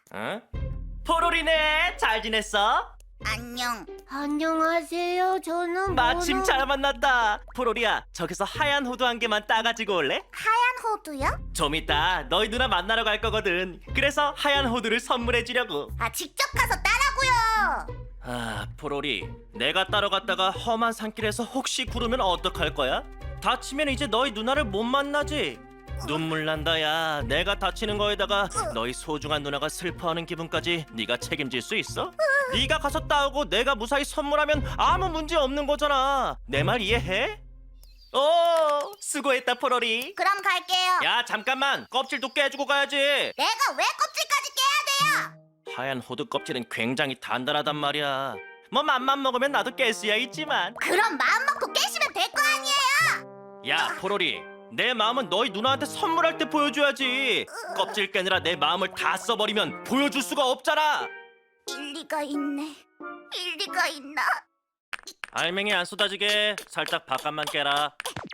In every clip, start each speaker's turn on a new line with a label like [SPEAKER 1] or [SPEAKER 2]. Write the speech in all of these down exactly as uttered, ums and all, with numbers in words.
[SPEAKER 1] 응? 포로리네, 잘 지냈어?
[SPEAKER 2] 안녕.
[SPEAKER 3] 안녕하세요. 저는
[SPEAKER 1] 마침
[SPEAKER 3] 모노-
[SPEAKER 1] 잘 만났다. 포로리야, 저기서 하얀 호두 한 개만 따가지고 올래?
[SPEAKER 2] 하얀 호두요?
[SPEAKER 1] 좀 이따 너희 누나 만나러 갈 거거든. 그래서 하얀 호두를 선물해 주려고.
[SPEAKER 2] 아, 직접 가서 따라고요.
[SPEAKER 1] 아, 포로리, 내가 따라갔다가 험한 산길에서 혹시 구르면 어떡할 거야? 다치면 이제 너희 누나를 못 만나지. 눈물 난다. 야, 내가 다치는 거에다가 너희 소중한 누나가 슬퍼하는 기분까지 네가 책임질 수 있어? 네가 가서 따오고 내가 무사히 선물하면 아무 문제 없는 거잖아. 내 말 이해해? 오, 수고했다 포로리.
[SPEAKER 2] 그럼 갈게요.
[SPEAKER 1] 야, 잠깐만, 껍질도 깨주고 가야지.
[SPEAKER 2] 내가 왜 껍질까지 깨야 돼요?
[SPEAKER 1] 하얀 호두 껍질은 굉장히 단단하단 말이야. 뭐 맘만 먹으면 나도 깰 수야 있지만.
[SPEAKER 2] 그럼 마음 먹고 깨시면 될 거 아니에요?
[SPEAKER 1] 야, 포로리, 내 마음은 너희 누나한테 선물할 때 보여줘야지. 껍질 깨느라 내 마음을 다 써버리면 보여줄 수가 없잖아.
[SPEAKER 2] 일리가 있네. 일리가 있나?
[SPEAKER 1] 알맹이 안 쏟아지게 살짝 바깥만 깨라.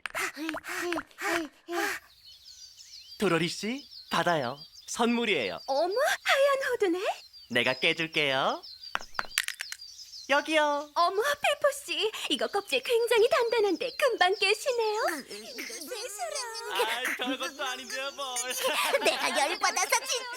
[SPEAKER 1] 도로리 씨, 받아요. 선물이에요.
[SPEAKER 3] 어머, 하얀 호두네.
[SPEAKER 1] 내가 깨줄게요. 여기요.
[SPEAKER 3] 어머, 페퍼 씨, 이거 껍질 굉장히 단단한데 금방 깨시네요.
[SPEAKER 1] 아, 별것도 아닌데요, 뭘.
[SPEAKER 2] 내가 열받아서 진짜.